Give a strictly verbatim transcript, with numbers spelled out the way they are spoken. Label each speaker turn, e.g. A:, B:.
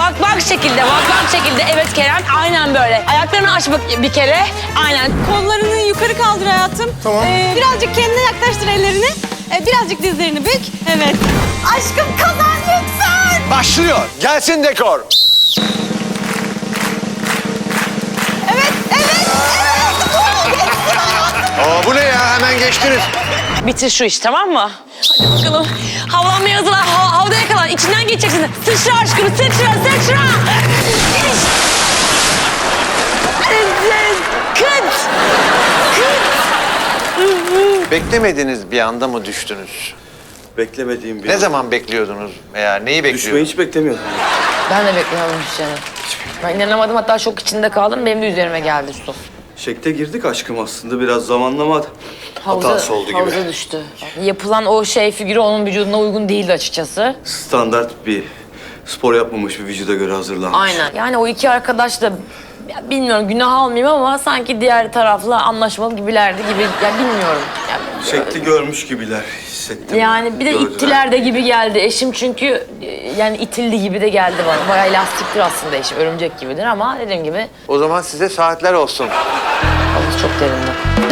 A: Bak bak şekilde, bak bak şekilde. Evet Kerem, aynen böyle. Ayaklarını aç bak bir kere. Aynen.
B: Kollarını yukarı kaldır hayatım.
C: Tamam.
B: Ee, birazcık kendine yaklaştır ellerini. Ee, birazcık dizlerini bük. Evet. Aşkım kazan lütfen.
C: Başlıyor. Gelsin dekor.
B: Evet, evet, evet. Oo, geçsin hayatım.
C: Aa, bu ne ya? Hemen geçtiniz.
A: Bitir şu iş, tamam mı? Hadi bakalım. Havlanmaya hazırlan, ha havada yakalan. İçinden geçeceksin. Sıçra aşkım, sıçra, sıçra. Kıt. Kıt.
C: Beklemediğiniz bir anda mı düştünüz?
D: Beklemediğim bir
C: Ne
D: an.
C: zaman bekliyordunuz veya neyi
D: Düşmeyi
C: bekliyordunuz?
D: hiç beklemiyordum.
A: Ben de beklemiyordum Hüseyin'i. Ben inanamadım, hatta şok içinde kaldım. Benim de üzerime geldi su.
D: Şekte girdik aşkım aslında. Biraz zamanlama hatası oldu gibi.
A: Havuza düştü. Yapılan o şey figürü onun vücuduna uygun değildi açıkçası.
D: Standart bir spor yapmamış bir vücuda göre hazırlanmış.
A: Aynen. Yani o iki arkadaş da ya bilmiyorum günah almayayım ama sanki diğer tarafla anlaşmalı gibilerdi gibi. Ya bilmiyorum. Ya,
D: Şekli görmüş gibiler hissettim.
A: yani bir de
D: Gördüler.
A: ittiler de gibi geldi. Eşim çünkü e, yani itildi gibi de geldi bana. Bayağı lastiktir aslında eşim. Örümcek gibidir ama dediğim gibi
C: O zaman size saatler olsun.
A: havuz çok derindi.